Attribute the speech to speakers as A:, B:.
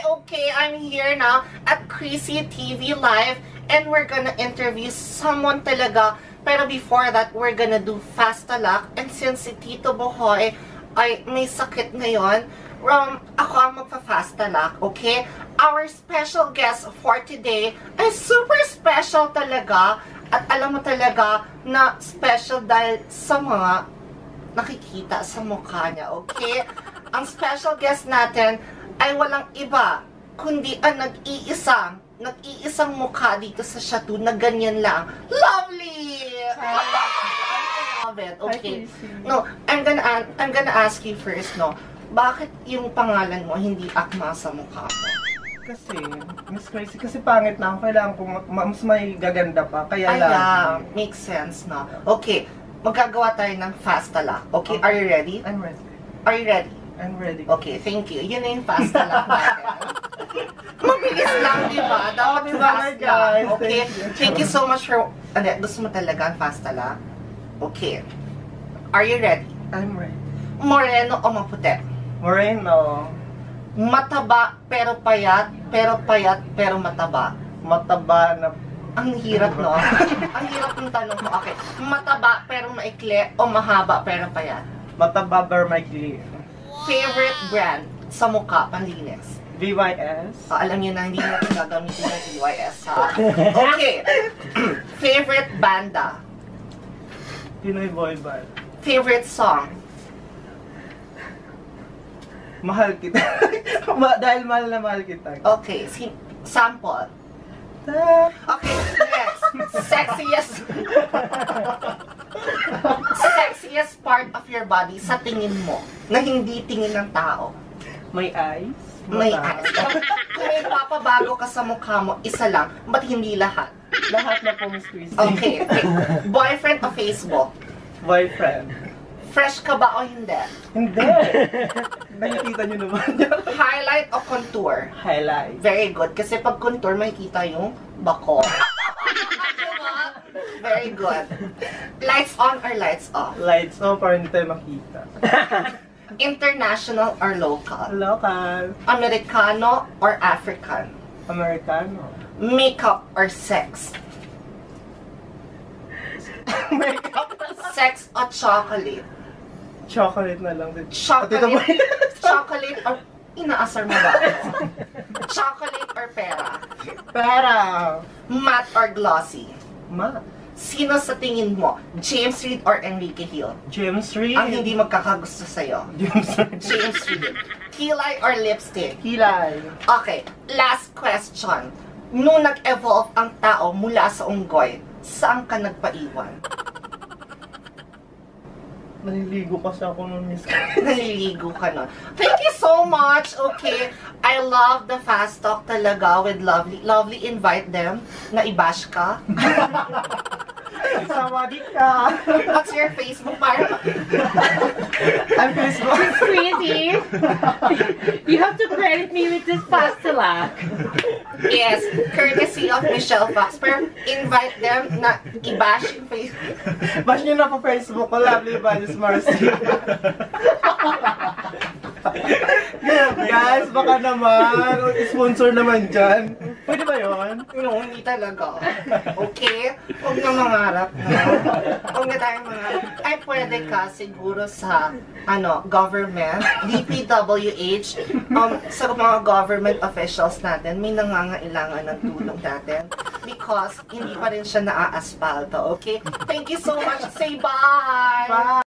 A: Okay, I'm here now at Chrissy TV Live and we're gonna interview someone talaga. Pero before that, we're gonna do Fast Talak. And since si Tito Bohoy ay may sakit ngayon, ako ang magpa-Fast Talak, okay? Our special guest for today ay super special talaga. At alam mo talaga na special dahil sa mga nakikita sa mukha niya, okay? Ang special guest natin ay walang iba, kundi ang nag-iisang mukha dito sa Chateau na ganyan lang. Lovely! I love it. Okay. No, I'm gonna ask you first, no? Bakit yung pangalan mo hindi akma sa mukha mo?
B: Kasi, Miss Crazy, kasi pangit na ako. Kailangan ko mas may gaganda pa. Kaya lang.
A: Yeah, makes sense, no? Okay, magagawa tayo ng Fast Talak. Okay, are you ready?
B: I'm ready.
A: Are you ready?
B: I'm ready.
A: Okay, thank you. Yun na yung Fast Talak natin. Mabilis lang, di ba? Dapat fast lang. Okay, thank you so much for... Gusto mo talaga ang Fast Talak? Okay. Are you ready?
B: I'm ready.
A: Moreno o maputi?
B: Moreno.
A: Mataba pero payat, pero mataba.
B: Mataba na...
A: Ang hirap, no? Ang hirap ng tanong mo. Okay. Mataba pero maikli o mahaba pero payat?
B: Mataba Vermically.
A: Favorite brand sa mukha, panlinis?
B: VYS.
A: Alam niyo na, hindi natin gagamitin ng VYS, ha? Okay. Favorite banda?
B: Pinoy Boy Band.
A: Favorite song?
B: Mahal kita. Dahil mahal na mahal kita.
A: Okay. Sample? Okay, next. Sexiest part of your body sa tingin mo na hindi tingin ng tao.
B: May eyes.
A: May eyes. Kung may papabago ka sa mukha mo, isa lang, ba't hindi lahat?
B: Lahat na po, Miss Christy.
A: Okay. Boyfriend o Facebook?
B: Boyfriend.
A: Fresh ka ba o hindi?
B: Hindi. Nakikita nyo naman.
A: Highlight o contour?
B: Highlight.
A: Very good. Kasi pag contour, makikita yung bako. Very good. Lights on or lights off?
B: Lights on para hindi tayo makita.
A: International or local?
B: Local.
A: Americano or African?
B: Americano.
A: Makeup or sex?
B: Makeup.
A: Sex o chocolate?
B: Chocolate na lang din.
A: Chocolate or... Inaasar mo ba? Chocolate or pera?
B: Pera.
A: Matte or glossy?
B: Ma.
A: Sino sa tingin mo? James Reid or Enrique Hill?
B: James Reid.
A: Ang hindi magkakagusto sa'yo.
B: James Reid.
A: James Reid. Kilay or lipstick?
B: Kilay.
A: Okay, last question. Nung nag-evolve ang tao mula sa unggoy, saan ka nagpaiwan?
B: Naliligo kasi ako ng Miss.
A: Naliligo ka nun. Thank you so much. Okay, I love the fast talk talaga with Lovely. Lovely, invite them na i-bash ka.
B: Sawadee ka.
A: What's your Facebook?
B: I'm Facebook.
C: Crazy. You have to credit me with this Fast Talak.
A: Yes, courtesy of Michelle Fox. Pero invite them na i-bash yung Facebook.
B: Bash nyo na po Facebook ko. Lovely Values Marcy. Guys, baka naman. Sponsor naman dyan. Pwede ba yun?
A: No, hindi talaga. Okay? Huwag na mangarap na. Huwag na tayong mangarap. Ay, pwede ka siguro sa, government, DPWH, sa mga government officials natin, may nangangailangan ng tulong natin because hindi pa rin siya naa-aspalto, okay? Thank you so much. Say bye!
B: Bye!